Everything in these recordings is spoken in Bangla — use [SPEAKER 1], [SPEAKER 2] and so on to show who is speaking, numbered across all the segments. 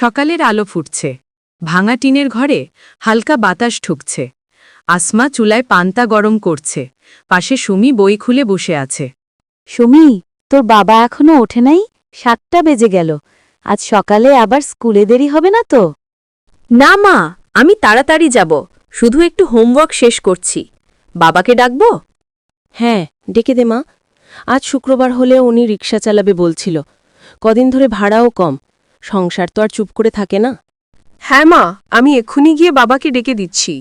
[SPEAKER 1] সকালের আলো ফুটছে, ভাঙা টিনের ঘরে হালকা বাতাস ঢুকছে। আসমা চুলায় পান্তা গরম করছে, পাশে সুমি বই খুলে বসে আছে।
[SPEAKER 2] সুমি, তোর বাবা এখনো ওঠে নাই? 7টা বেজে গেল। আজ সকালে আবার স্কুলে দেরি হবে না তো?
[SPEAKER 3] না মা, আমি তাড়াতাড়ি যাব, শুধু একটু হোমওয়ার্ক শেষ করছি। বাবাকে ডাকবো?
[SPEAKER 4] হ্যাঁ, ডেকে দে মা। আজ শুক্রবার হলে উনি রিক্সা চালাবে বলছিল। কদিন ধরে ভাড়াও কম, সংসার তো আর চুপ করে থাকে না।
[SPEAKER 3] হ্যাঁ মা, আমি এক্ষুনি গিয়ে বাবাকে ডেকে দিচ্ছি।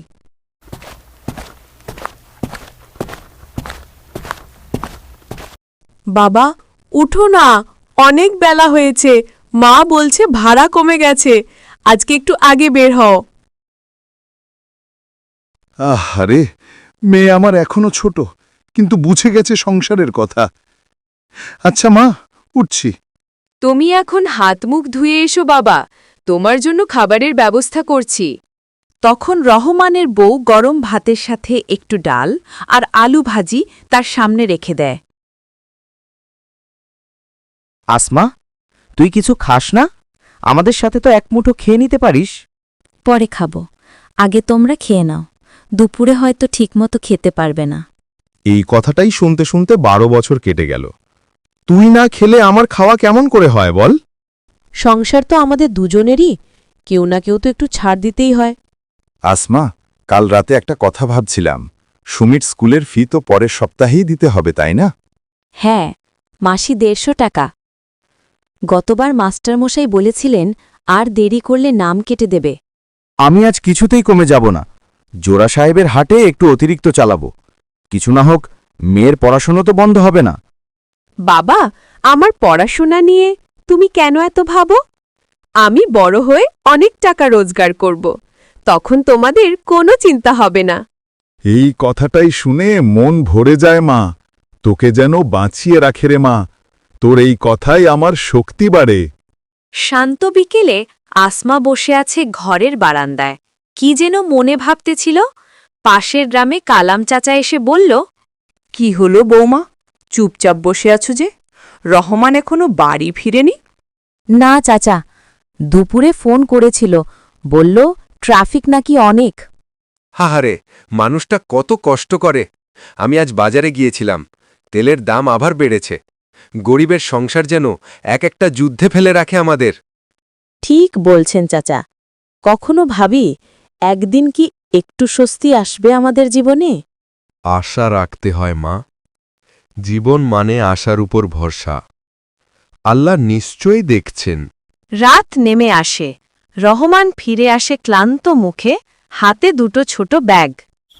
[SPEAKER 3] বাবা, উঠো না, অনেক বেলা হয়েছে। মা বলছে ভাড়া কমে গেছে, আজকে একটু আগে বের হও।
[SPEAKER 5] আরে, মেয়ে আমার এখনো ছোট, কিন্তু বুঝে গেছে সংসারের কথা। আচ্ছা মা, উঠছি।
[SPEAKER 1] তুমি এখন হাত মুখ ধুয়ে এসো বাবা, তোমার জন্য খাবারের ব্যবস্থা করছি। তখন রহমানের বউ গরম ভাতের সাথে একটু ডাল আর আলু ভাজি তার সামনে রেখে দেয়।
[SPEAKER 6] আসমা, তুই কিছু খাস না? আমাদের সাথে তো এক মুঠো খেয়ে নিতে পারিস।
[SPEAKER 2] পরে খাবো, আগে তোমরা খেয়ে নাও। দুপুরে হয়তো ঠিকমতো খেতে পারবে না।
[SPEAKER 5] এই কথাটাই শুনতে শুনতে 12 বছর কেটে গেল। তুই না খেলে আমার খাওয়া কেমন করে হয় বল?
[SPEAKER 4] সংসার তো আমাদের দুজনেরই, কেউ না কেউ তো একটু ছাড় দিতেই হয়।
[SPEAKER 5] আসমা, কাল রাতে একটা কথা ভাবছিলাম। সুমির স্কুলের ফি তো পরের সপ্তাহেই দিতে হবে, তাই না?
[SPEAKER 2] হ্যাঁ, মাসি 150 টাকা। গতবার মাস্টারমশাই বলেছিলেন আর দেরি করলে নাম কেটে দেবে।
[SPEAKER 6] আমি আজ কিছুতেই কমে যাব না। জোড়া সাহেবের হাটে একটু অতিরিক্ত চালাবো। কিছু না হোক, মেয়ের পড়াশোনা তো বন্ধ হবে না।
[SPEAKER 3] বাবা, আমার পড়াশোনা নিয়ে তুমি কেন এত ভাবো? আমি বড় হয়ে অনেক টাকা রোজগার করব, তখন তোমাদের কোনো চিন্তা হবে না।
[SPEAKER 5] এই কথাটাই শুনে মন ভরে যায় মা। তোকে যেন বাঁচিয়ে রাখে রে মা। তোর এই কথাই আমার শক্তি বাড়ে।
[SPEAKER 1] শান্ত বিকেলে আসমা বসে আছে ঘরের বারান্দায়, কি যেন মনে ভাবতেছিল। পাশের গ্রামে কালাম চাচা এসে বলল,
[SPEAKER 3] কি হলো বৌমা, চুপচাপ বসে আছো যে? রহমান এখনো বাড়ি ফিরেনি?
[SPEAKER 2] না চাচা, দুপুরে ফোন করেছিল, বলল ট্রাফিক নাকি অনেক।
[SPEAKER 7] হাহারে, মানুষটা কত কষ্ট করে। আমি আজ বাজারে গিয়েছিলাম, তেলের দাম আবার বেড়েছে। গরিবের সংসার যেন এক একটা যুদ্ধে ফেলে রাখে আমাদের।
[SPEAKER 4] ঠিক বলছেন চাচা। কখনো ভাবি একদিন কি একটু স্বস্তি আসবে আমাদের জীবনে?
[SPEAKER 7] আশা রাখতে হয় মা। জীবন মানে আশার উপর ভরসা। আল্লাহ নিশ্চয়ই দেখছেন।
[SPEAKER 1] রাত নেমে আসে। রহমান ফিরে আসে ক্লান্ত মুখে, হাতে দুটো ছোট ব্যাগ।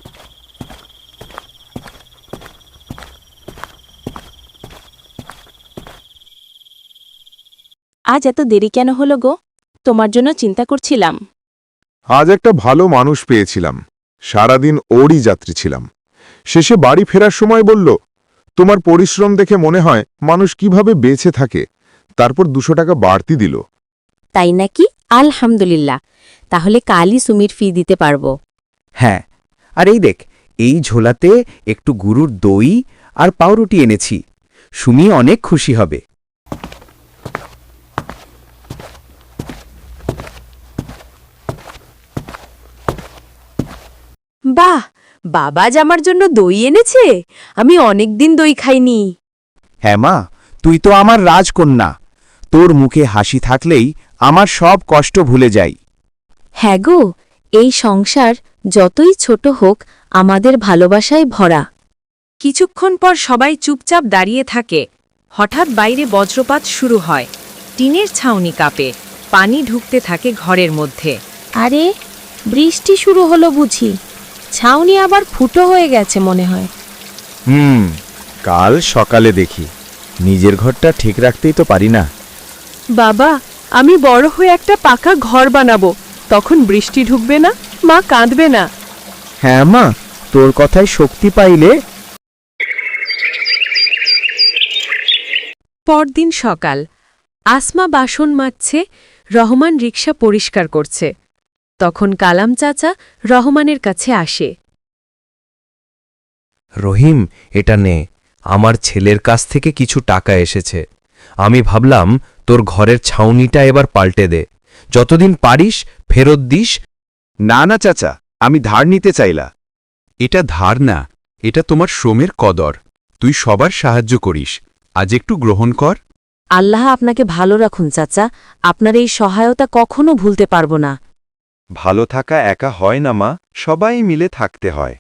[SPEAKER 4] আজ এত দেরি কেন হলো গো? তোমার জন্য চিন্তা করছিলাম।
[SPEAKER 5] আজ একটা ভালো মানুষ পেয়েছিলাম, সারাদিন ওরই যাত্রী ছিলাম। শেষে বাড়ি ফেরার সময় বলল, তোমার পরিশ্রম দেখে মনে হয় মানুষ কিভাবে বেঁচে থাকে। তারপর 200 টাকা বাড়তি দিল।
[SPEAKER 2] তাই নাকি? আলহামদুলিল্লাহ, তাহলে কালই সুমির ফি দিতে পারবো।
[SPEAKER 6] হ্যাঁ, আর এই দেখ, এই ঝোলাতে একটু গুরুর দই আর পাউরুটি এনেছি। সুমি অনেক খুশি হবে।
[SPEAKER 3] বাহ, বাবা আজ আমার জন্য দই এনেছে। আমি অনেক দিন দই খাইনি।
[SPEAKER 6] হ্যাঁ মা, তুই তো আমার রাজকন্যা। তোর মুখে হাসি থাকলেই আমার সব কষ্ট ভুলে যাই।
[SPEAKER 2] হ্যাঁ গো, এই সংসার যতই ছোট হোক আমাদের ভালোবাসায় ভরা।
[SPEAKER 1] কিছুক্ষণ পর সবাই চুপচাপ দাঁড়িয়ে থাকে। হঠাৎ বাইরে বজ্রপাত শুরু হয়। টিনের ছাউনি কাঁপে, পানি ঢুকতে থাকে ঘরের মধ্যে।
[SPEAKER 4] আরে, বৃষ্টি শুরু হলো বুঝি? ছাউনি আবার ফুটো হয়ে গেছে মনে হয়।
[SPEAKER 6] কাল সকালে দেখি। নিজের ঘরটা ঠিক রাখতেই তো পারি না।
[SPEAKER 3] বাবা, আমি বড় হয়ে একটা পাকা ঘর বানাবো, তখন বৃষ্টি ঢুকবে না, মা কাঁদবে না।
[SPEAKER 6] হ্যাঁ মা, তোর কথায় শক্তি পাইলে।
[SPEAKER 1] পরদিন সকাল, আসমা বাসন মাজছে, রহমান রিকশা পরিষ্কার করছে। তখন কালাম চাচা রহমানের কাছে আসে।
[SPEAKER 7] রহিম, এটা নে, আমার ছেলের কাছ থেকে কিছু টাকা এসেছে। আমি ভাবলাম তোর ঘরের ছাউনিটা এবার পাল্টে দে,
[SPEAKER 6] যতদিন পারিস ফেরত দিস।
[SPEAKER 5] না না চাচা, আমি ধার নিতে চাইলা।
[SPEAKER 7] এটা ধার না, এটা তোমার শ্রমের কদর। তুই সবার সাহায্য করিস, আজ একটু গ্রহণ কর।
[SPEAKER 2] আল্লাহ আপনাকে ভালো রাখুন চাচা, আপনার এই সহায়তা কখনো ভুলতে পারব না।
[SPEAKER 5] ভালো থাকা একা হয় না মা, সবাই মিলে থাকতে হয়।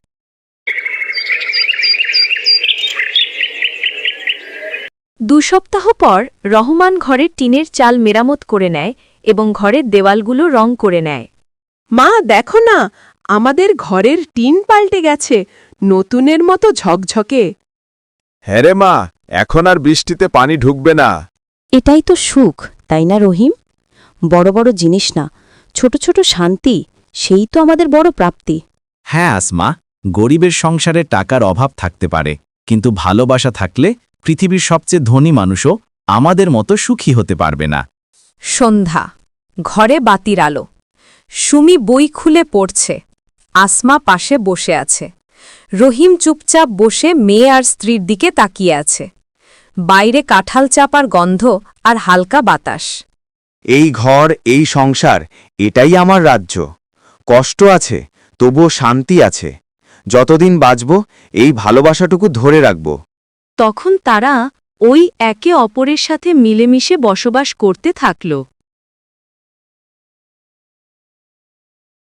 [SPEAKER 1] 2 সপ্তাহ পর রহমান ঘরের টিনের চাল মেরামত করে নেয় এবং ঘরের দেওয়ালগুলো রং করে নেয়।
[SPEAKER 3] মা দেখো না, আমাদের ঘরের টিন পাল্টে গেছে, নতুনের মতো ঝকঝকে।
[SPEAKER 5] হ্যাঁ রে মা, এখন আর বৃষ্টিতে পানি ঢুকবে না।
[SPEAKER 2] এটাই তো সুখ, তাই না রহিম? বড় বড় জিনিস না, ছোট ছোট শান্তি, সেই তো আমাদের বড় প্রাপ্তি।
[SPEAKER 6] হ্যাঁ আসমা, গরিবের সংসারে টাকার অভাব থাকতে পারে, কিন্তু ভালোবাসা থাকলে পৃথিবীর সবচেয়ে ধনী মানুষও আমাদের মতো সুখী হতে পারবে না।
[SPEAKER 1] সন্ধ্যা, ঘরে বাতির আলো। সুমি বই খুলে পড়ছে, আসমা পাশে বসে আছে। রহিম চুপচাপ বসে মেয়ে আর স্ত্রীর দিকে তাকিয়ে আছে। বাইরে কাঁঠাল চাপার গন্ধ আর হালকা বাতাস।
[SPEAKER 6] এই ঘর, এই সংসার, এটাই আমার রাজ্য। কষ্ট আছে, তবুও শান্তি আছে। যতদিন বাঁচব এই ভালোবাসাটুকু ধরে রাখব।
[SPEAKER 1] তখন তারা ওই একে অপরের সাথে মিলেমিশে বসবাস করতে থাকল।